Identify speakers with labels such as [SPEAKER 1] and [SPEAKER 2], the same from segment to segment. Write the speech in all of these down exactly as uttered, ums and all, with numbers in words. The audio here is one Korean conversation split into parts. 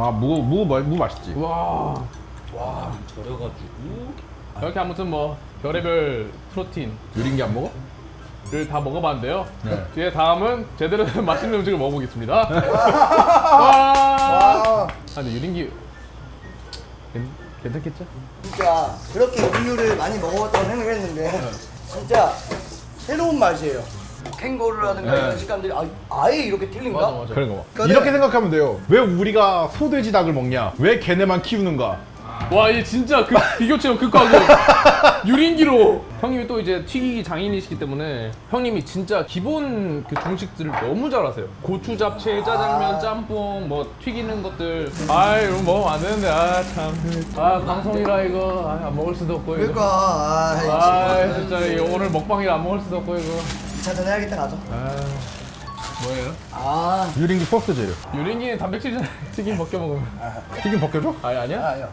[SPEAKER 1] 아, 무, 무, 무, 무 맛있지.
[SPEAKER 2] 와.
[SPEAKER 3] 와 절여가지고
[SPEAKER 2] 이렇게 아무튼 뭐 별의별 프로틴
[SPEAKER 1] 유린기 안 먹어?
[SPEAKER 2] 를 다 먹어봤는데요.
[SPEAKER 1] 네.
[SPEAKER 2] 뒤에 다음은 제대로 된 맛있는 음식을 먹어보겠습니다. 와.
[SPEAKER 4] 와,
[SPEAKER 2] 아, 근데 유린기 괜, 괜찮겠죠?
[SPEAKER 4] 진짜 그렇게 음료를 많이 먹어봤다고 생각했는데 진짜 새로운 맛이에요. 캥거루라든가
[SPEAKER 1] 네.
[SPEAKER 4] 이런 식감들이 아, 아예 이렇게 틀린가?
[SPEAKER 2] 맞아 맞아.
[SPEAKER 1] 그런 거 봐.
[SPEAKER 4] 그러네.
[SPEAKER 1] 이렇게 생각하면 돼요. 왜 우리가 소돼지 닭을 먹냐? 왜 걔네만 키우는가?
[SPEAKER 2] 와, 얘 진짜 그 비교 체험 극하고 유린기로. 형님이 또 이제 튀기기 장인이시기 때문에 형님이 진짜 기본 그 중식들을 너무 잘하세요. 고추 잡채, 짜장면, 짬뽕, 뭐 튀기는 것들. 아, 이거 먹으면 안 되는데 아 참. 아 방송이라 이거 아, 안 먹을 수도 없고 이거.
[SPEAKER 4] 그러니까 아,
[SPEAKER 2] 아 진짜 이거 오늘 먹방이라 안 먹을 수도 없고 이거.
[SPEAKER 4] 이 차 전해야겠다 가서.
[SPEAKER 2] 아 뭐예요?
[SPEAKER 4] 아,
[SPEAKER 1] 유린기 포스 재료.
[SPEAKER 2] 유린기는 단백질 튀김 벗겨 먹으면.
[SPEAKER 1] 튀김 벗겨줘?
[SPEAKER 2] 아니 아니야?
[SPEAKER 4] 아요.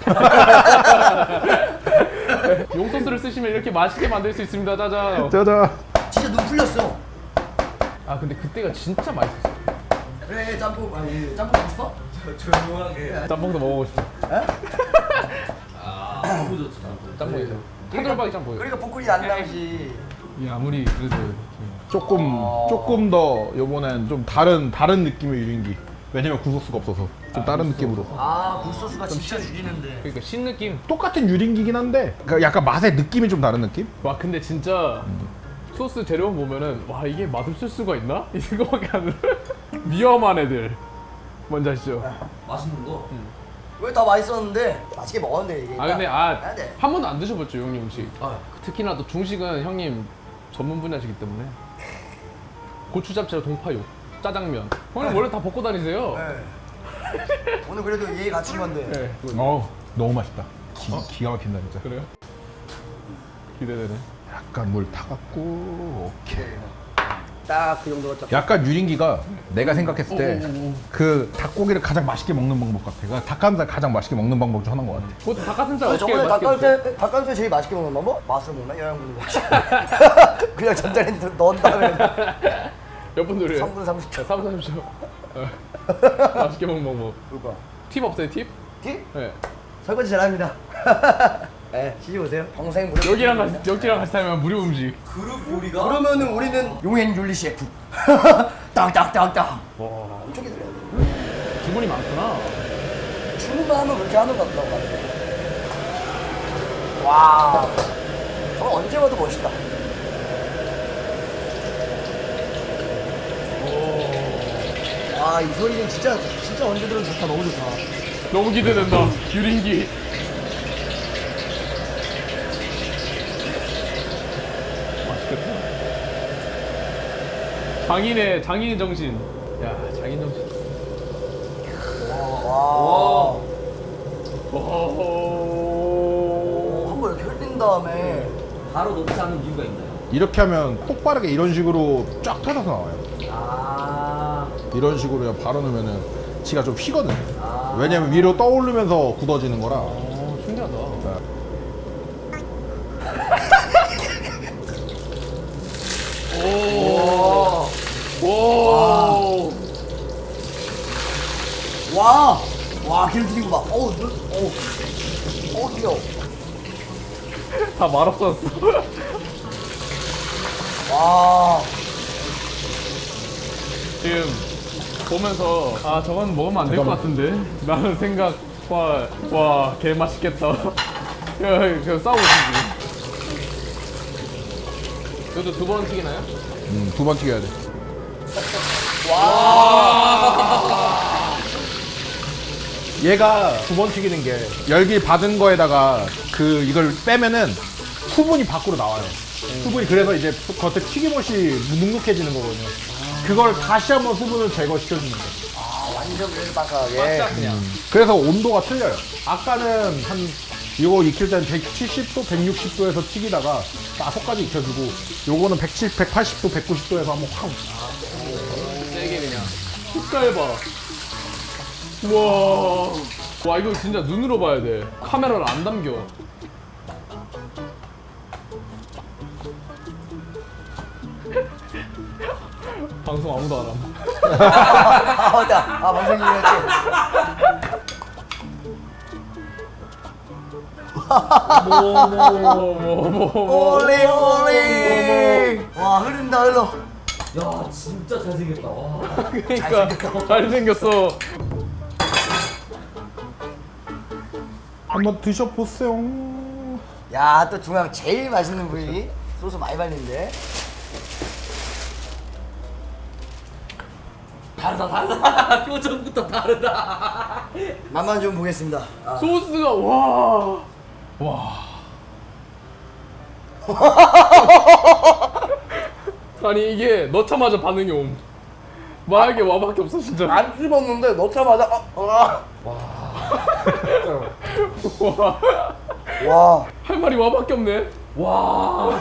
[SPEAKER 2] 용소스를 쓰시면 이렇게 맛있게 만들 수 있습니다. 짜잔.
[SPEAKER 1] 짜잔.
[SPEAKER 4] 진짜 눈 풀렸어.
[SPEAKER 2] 아 근데 그때가 진짜 맛있었어.
[SPEAKER 4] 그래 짬뽕 아니 짬뽕 먹고 싶어?
[SPEAKER 3] 조용하게
[SPEAKER 2] 짬뽕도 먹어보고 싶어.
[SPEAKER 3] 아 너무 좋지
[SPEAKER 2] 짬뽕이죠. 한돌박이 짬뽕이요.
[SPEAKER 4] 그러니까 복근이 안 나오지.
[SPEAKER 2] 이 아무리 그래도
[SPEAKER 1] 조금 조금 더 요번엔 좀 다른 다른 느낌의 유린기. 왜냐면 구소스가 없어서 좀 다른 느낌으로.
[SPEAKER 4] 아, 굴소스가 진짜 죽이는데.
[SPEAKER 2] 그러니까 신 느낌.
[SPEAKER 1] 똑같은 유린기긴 한데 그러니까 약간 맛의 느낌이 좀 다른 느낌?
[SPEAKER 2] 와 근데 진짜 소스 재료 보면은 와 이게 맛없을 수가 있나? 이 생각밖에 안 들어. 위험한 애들. 뭔지 아시죠?
[SPEAKER 3] 맛있는 거?
[SPEAKER 4] 왜 다 맛있었는데 맛있게 먹었는데 이게.
[SPEAKER 2] 아 근데 아
[SPEAKER 4] 아, 네.
[SPEAKER 2] 한 번도 안 드셔봤죠 형님 음식.
[SPEAKER 3] 아
[SPEAKER 2] 특히나 또 중식은 형님 전문 분야시기 때문에 고추 잡채, 동파육, 짜장면. 형님 원래 다 먹고 다니세요.
[SPEAKER 4] 네. 오늘 그래도 예의 갖춘 건데.
[SPEAKER 2] 네.
[SPEAKER 1] 어 너무 맛있다. 기, 기가 막힌다 진짜.
[SPEAKER 2] 그래요? 기대되네.
[SPEAKER 1] 약간 물 타갖고 오케이.
[SPEAKER 4] 딱 그 정도가 딱.
[SPEAKER 1] 약간 유린기가 내가 생각했을 때 그 닭고기를 가장 맛있게 먹는 방법 같아. 그러니까 닭가슴살 가장 맛있게 먹는 방법 중 하나인 것 같아.
[SPEAKER 2] 그것도 닭가슴살
[SPEAKER 4] 아,
[SPEAKER 2] 어떻게
[SPEAKER 4] 저번에
[SPEAKER 2] 맛있게 먹어요?
[SPEAKER 4] 닭가슴살 닭가슴살 제일 맛있게 먹는 방법? 맛으로 먹나? 영양분으로 그냥 전자레인지 넣은 다음에
[SPEAKER 2] 몇 분 노래요?
[SPEAKER 4] 삼 분 삼십 초.
[SPEAKER 2] 삼 분 삼십 초. 어. 맛있게 먹는 방법.
[SPEAKER 4] 그거.
[SPEAKER 2] 팁 없어요 팁?
[SPEAKER 4] 티?
[SPEAKER 2] 네.
[SPEAKER 4] 설거지 잘합니다. 네, 시집 오세요. 평생 무료.
[SPEAKER 2] 여기랑 같이 여기랑 같이 살면 무료 음식.
[SPEAKER 3] 그룹 요리가?
[SPEAKER 4] 그러면은 우리는 용행 윤리 셰프. 딱딱딱딱.
[SPEAKER 2] 와
[SPEAKER 4] 엄청 기다려야 돼.
[SPEAKER 2] 주문이 많구나.
[SPEAKER 4] 주문만 하면 그렇게 하는 것 같다고 하는데. 와, 저거 언제 봐도 멋있다. 아, 이 소리는 진짜 진짜 언제 들어도 좋다. 너무 좋다.
[SPEAKER 2] 너무 기대된다. 유린기. 맛있겠다. 장인의 장인의 정신. 야 장인 정신.
[SPEAKER 4] 와,
[SPEAKER 2] 오.
[SPEAKER 4] 한번 이렇게 흘린 다음에
[SPEAKER 3] 바로 넣지 않는 이유가 있나요?
[SPEAKER 1] 이렇게 하면 똑바르게 이런 식으로 쫙 터져서 나와요.
[SPEAKER 3] 아
[SPEAKER 1] 이런 식으로 그냥 바로 넣으면은 지가 좀 휘거든.
[SPEAKER 3] 아.
[SPEAKER 1] 왜냐면 위로 떠오르면서 굳어지는 거라.
[SPEAKER 2] 어, 신기하다.
[SPEAKER 4] 오,
[SPEAKER 2] 오.
[SPEAKER 4] 와, 와, 기름 튀긴 거 봐. 어우, 눈, 어우, 어우, 귀여워.
[SPEAKER 2] 다 말없었어.
[SPEAKER 4] 와,
[SPEAKER 2] 지금 보면서 아 저건 먹으면 안 될 것 같은데 라는 생각. 와, 와, 개 맛있겠다. 야, 저 싸우고 있지. 이것도 두 번 튀기나요?
[SPEAKER 1] 음, 두 번 튀겨야 돼. 얘가 두 번 튀기는 게 열기 받은 거에다가 그 이걸 빼면은 수분이 밖으로 나와요. 수분이 그래서 이제 겉에 튀김옷이 눅눅해지는 거거든요. 그걸 다시 한번 수분을 제거시켜주는 거예요.
[SPEAKER 4] 아, 완전 그래도 바삭하게.
[SPEAKER 2] 딱 그냥.
[SPEAKER 1] 그래서 온도가 틀려요. 아까는 한 이거 익힐 때는 백칠십 도, 백육십 도에서 튀기다가 다섯까지 익혀주고 요거는 백칠십, 백팔십 도, 백구십 도에서 한번 확.
[SPEAKER 2] 세게 그냥. 색깔 봐. 우와. 와, 이거 진짜 눈으로 봐야 돼. 카메라를 안 담겨. 방송 아무도 안 함.
[SPEAKER 4] 아, 맞다. 아, 방송이었지.
[SPEAKER 2] 뭐뭐뭐뭐
[SPEAKER 4] 올리 올리. 와 흐른다 흘러.
[SPEAKER 3] 야 진짜 잘생겼다. 와.
[SPEAKER 2] 그러니까 잘생겼어.
[SPEAKER 1] 한번 드셔보세요.
[SPEAKER 4] 야 또 중앙 제일 맛있는 부위. 소스 많이 발린데.
[SPEAKER 3] 다르다 다르다. 표정부터 다르다.
[SPEAKER 4] 맛만 좀 보겠습니다. 아.
[SPEAKER 2] 소스가 와. 와. 아니 이게 넣자마자 반응이 옴. 말하기 와밖에 없어 진짜.
[SPEAKER 4] 안 씹었는데 넣자마자 어, 어.
[SPEAKER 2] 와.
[SPEAKER 4] 와
[SPEAKER 2] 할 말이 와밖에 없네. 와.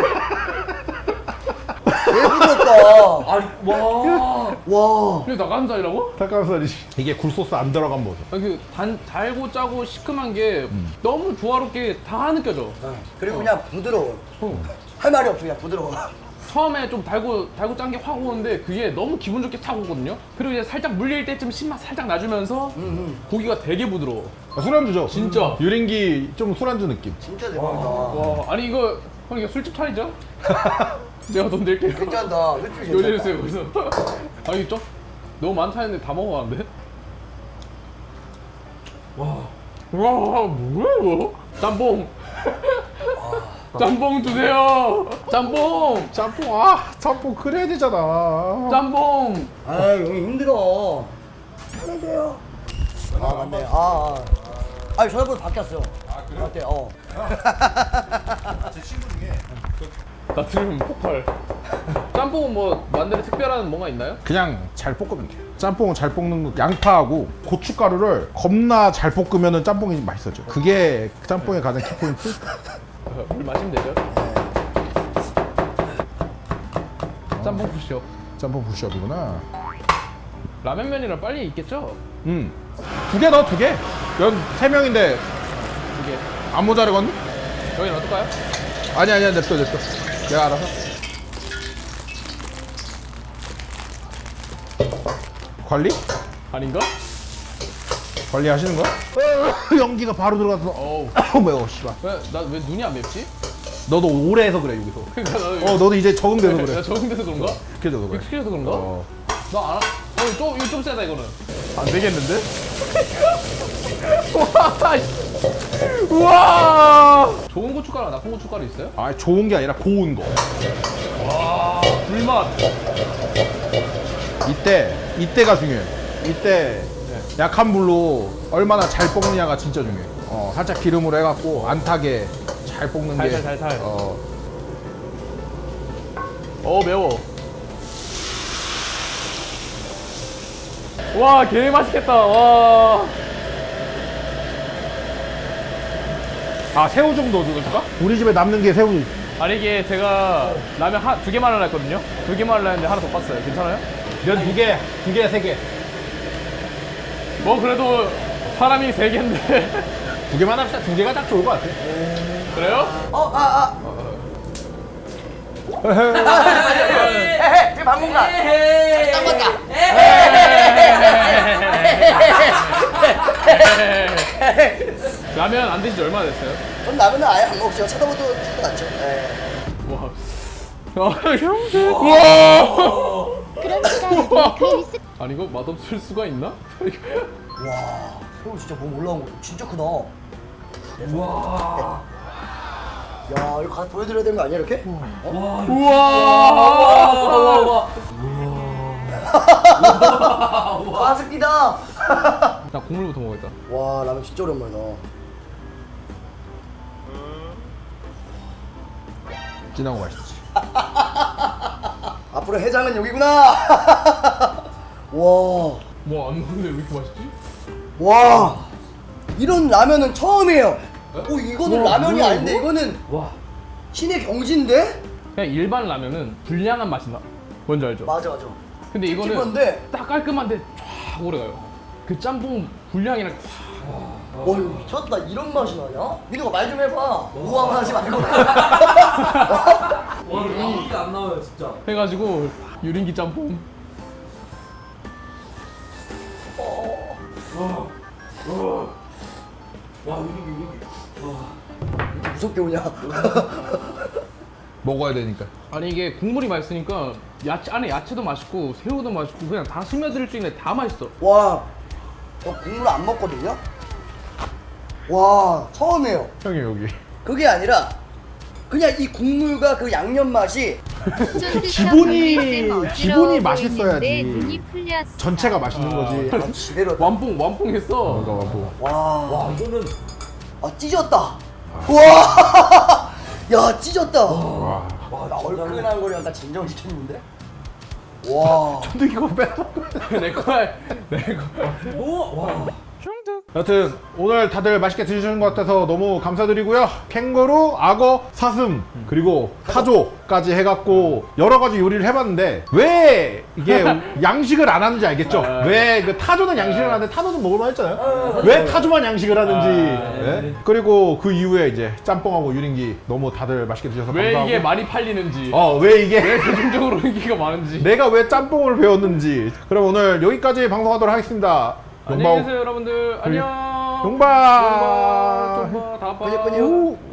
[SPEAKER 4] 예쁘겠다.
[SPEAKER 3] 아니 와.
[SPEAKER 4] 와.
[SPEAKER 2] 이게 닭가슴살이라고?
[SPEAKER 1] 닭가슴살이지. 이게 굴소스 안 들어간 모습.
[SPEAKER 2] 아니 그 단, 달고 짜고 시큼한 게 너무 조화롭게 다 느껴져.
[SPEAKER 4] 그리고 그냥 부드러워.
[SPEAKER 2] 어.
[SPEAKER 4] 할 말이 없어 그냥 부드러워.
[SPEAKER 2] 처음에 좀 달고 달고 짠 게 확 오는데 그게 너무 기분 좋게 타고 오거든요. 그리고 이제 살짝 물릴 때쯤 신맛 살짝 나주면서 고기가 되게 부드러워.
[SPEAKER 1] 아, 술안주죠?
[SPEAKER 2] 진짜.
[SPEAKER 1] 유린기 좀 술안주 느낌.
[SPEAKER 4] 진짜 대박이다.
[SPEAKER 2] 와, 아니 이거 형 이거 술집 차리죠? 내가 돈 낼게요.
[SPEAKER 4] 괜찮다. 솔직히
[SPEAKER 2] 요리해
[SPEAKER 4] 괜찮다.
[SPEAKER 2] 주세요. 그래서 아니 좀 너무 많다 했는데 다 먹어봤는데. 와, 와 뭐야 이거? 짬뽕. 짬뽕 주세요. 짬뽕.
[SPEAKER 1] 짬뽕, 아, 짬뽕 그래야 되잖아.
[SPEAKER 2] 짬뽕.
[SPEAKER 4] 아 형이 힘들어. 안녕하세요. 아 맞네. 아, 아. 아니 전화번호 바뀌었어요. 아 그래? 어때? 어.
[SPEAKER 2] 나 들으면 폭발. 짬뽕은 뭐 만드는 특별한 뭔가 있나요?
[SPEAKER 1] 그냥 잘 볶으면 돼요. 짬뽕은 잘 볶는 거, 양파하고 고춧가루를 겁나 잘 볶으면 짬뽕이 맛있어져. 그게 짬뽕의 가장 키포인트?
[SPEAKER 2] 물 마시면 되죠. 짬뽕 푸시업.
[SPEAKER 1] 짬뽕 부시업이구나.
[SPEAKER 2] 라면면이랑 빨리 있겠죠?
[SPEAKER 1] 음. 두 개 넣어, 두 개. 연 세 명인데
[SPEAKER 2] 이게
[SPEAKER 1] 안 모자르겠니?
[SPEAKER 2] 여기 놔둘까요?
[SPEAKER 1] 아니, 아니야, 냅둬, 냅둬. 내가 알아서. 관리?
[SPEAKER 2] 아닌가?
[SPEAKER 1] 관리하시는 거야? 어, 연기가 바로 들어가서.
[SPEAKER 2] 어우.
[SPEAKER 1] 어, 매워, 씨발.
[SPEAKER 2] 왜 나 왜 눈이 안 맵지?
[SPEAKER 1] 너도 오래 해서 그래, 여기서.
[SPEAKER 2] 그러니까 나
[SPEAKER 1] 어, 너도 이제 적응돼서
[SPEAKER 2] 나
[SPEAKER 1] 그래.
[SPEAKER 2] 적응돼서 그런가?
[SPEAKER 1] 익숙해져서 그래.
[SPEAKER 2] 익숙해져서 그런가?
[SPEAKER 1] 어.
[SPEAKER 2] 나 알아. 어, 좀 이거 좀 세다 이거는.
[SPEAKER 1] 안 되겠는데?
[SPEAKER 2] 와, 씨. 우와. 좋은 고춧가루, 나쁜 고춧가루 있어요?
[SPEAKER 1] 아, 좋은 게 아니라 고운 거.
[SPEAKER 2] 와, 불맛.
[SPEAKER 1] 이때, 이때가 중요해. 이때 약한 불로 얼마나 잘 볶느냐가 진짜 중요해. 어, 살짝 기름으로 해갖고 안 타게 잘 볶는 게.
[SPEAKER 2] 살살, 살살.
[SPEAKER 1] 어,
[SPEAKER 2] 어 매워. 와, 개 맛있겠다. 와.
[SPEAKER 1] 아, 새우 좀 넣어줄까? 우리 집에 남는 게 새우.
[SPEAKER 2] 아니 이게 제가 라면 한, 두 개만 하려 했거든요. 두 개만 하려 했는데 하나 더 팠어요. 괜찮아요?
[SPEAKER 1] 면 두 개, 두 개, 세 개.
[SPEAKER 2] 뭐 그래도 사람이 세 개인데.
[SPEAKER 1] 두 개만 합시다. 두 개가 딱 좋을 것 같아.
[SPEAKER 2] 그래요?
[SPEAKER 4] 어, 아, 아. 에헤, 지금 방문가. 딱 맞다.
[SPEAKER 2] 라면 안 드신 지 얼마나 됐어요?
[SPEAKER 4] 전 라면은 아예 안 먹죠. 쳐다보도 치도 않죠. 예.
[SPEAKER 2] 와. 와.
[SPEAKER 5] 그러니까 그 있을
[SPEAKER 2] 아니 이거 맛없을 수가 있나?
[SPEAKER 4] 와, 새우 진짜 몸 올라온 거 진짜 크다.
[SPEAKER 3] 와.
[SPEAKER 4] 야, 이거 가서 보여드려야 되는 거 아니야 이렇게? 어?
[SPEAKER 2] 우와.
[SPEAKER 4] 가습기다.
[SPEAKER 2] 나 국물부터 먹겠다.
[SPEAKER 4] 와, 라면 진짜 오랜만이다.
[SPEAKER 1] 진하고 맛있지.
[SPEAKER 4] 앞으로 해장은 여기구나. 와,
[SPEAKER 2] 뭐안 먹는데 왜 이렇게 맛있지?
[SPEAKER 4] 와, 이런 라면은 처음이에요. 오, 이거는
[SPEAKER 2] 와,
[SPEAKER 4] 라면이
[SPEAKER 2] 뭐야,
[SPEAKER 4] 아닌데
[SPEAKER 2] 이거?
[SPEAKER 4] 이거는
[SPEAKER 2] 와.
[SPEAKER 4] 신의 경지인데?
[SPEAKER 2] 그냥 일반 라면은 불량한 맛이 나. 뭔지 알죠?
[SPEAKER 4] 맞아, 맞아.
[SPEAKER 2] 근데 이거는
[SPEAKER 4] 찝찝한데?
[SPEAKER 2] 딱 깔끔한데 쫙 오래가요. 그 짬뽕 불량이랑
[SPEAKER 4] 와, 이거 미쳤다. 이런 맛이 나냐? 민호가 말 좀 해봐. 우아만 하지 말고.
[SPEAKER 3] 와 이게 안 나와요 진짜.
[SPEAKER 2] 해가지고 유린기 짬뽕.
[SPEAKER 3] 와 여기 여기. 와.
[SPEAKER 4] 이렇게 무섭게 오냐?
[SPEAKER 1] 먹어야 되니까.
[SPEAKER 2] 아니 이게 국물이 맛있으니까 야채 안에 야채도 맛있고 새우도 맛있고 그냥 다 스며들 수 있는 다 맛있어.
[SPEAKER 4] 와, 저 국물 안 먹거든요? 와, 처음이에요.
[SPEAKER 1] 형이 여기.
[SPEAKER 4] 그게 아니라 그냥 이 국물과 그 양념 맛이
[SPEAKER 1] 기본이- 기본이 맛있어야지.
[SPEAKER 5] 눈이 풀렸어.
[SPEAKER 1] 전체가 맛있는 거지.
[SPEAKER 4] 아, 지대로.
[SPEAKER 2] 완뽕 완뽕했어.
[SPEAKER 1] 뭔가 뭐.
[SPEAKER 4] 와,
[SPEAKER 3] 와 이거는
[SPEAKER 4] 아 찢었다. 와, 야 찢었다.
[SPEAKER 1] 와.
[SPEAKER 3] 와
[SPEAKER 4] 나
[SPEAKER 3] 진짜로.
[SPEAKER 4] 얼큰한 거를 약간 진정시켰는데. 와,
[SPEAKER 1] 근데 이거 빼.
[SPEAKER 2] 내 거야. 내 거.
[SPEAKER 3] 뭐? 와.
[SPEAKER 1] 여튼 오늘 다들 맛있게 드시는 것 같아서 너무 감사드리고요. 캥거루, 악어, 사슴, 그리고 타조까지 해갖고 여러 가지 요리를 해봤는데 왜 이게 양식을 안 하는지 알겠죠? 왜 그 타조는 양식을 하는데 타조는 먹을만 했잖아요. 왜 타조만 양식을 하는지. 예? 그리고 그 이후에 이제 짬뽕하고 유린기 너무 다들 맛있게 드셔서
[SPEAKER 2] 왜
[SPEAKER 1] 감사하고.
[SPEAKER 2] 이게 많이 팔리는지.
[SPEAKER 1] 어, 왜 이게
[SPEAKER 2] 왜 대중적으로 인기가 많은지.
[SPEAKER 1] 내가 왜 짬뽕을 배웠는지. 그럼 오늘 여기까지 방송하도록 하겠습니다.
[SPEAKER 2] 안녕히 계세요 여러분들. 안녕.
[SPEAKER 1] 용바.
[SPEAKER 2] 용바. 좀 봐. 다 봐.
[SPEAKER 4] 번역 번역.
[SPEAKER 1] 오.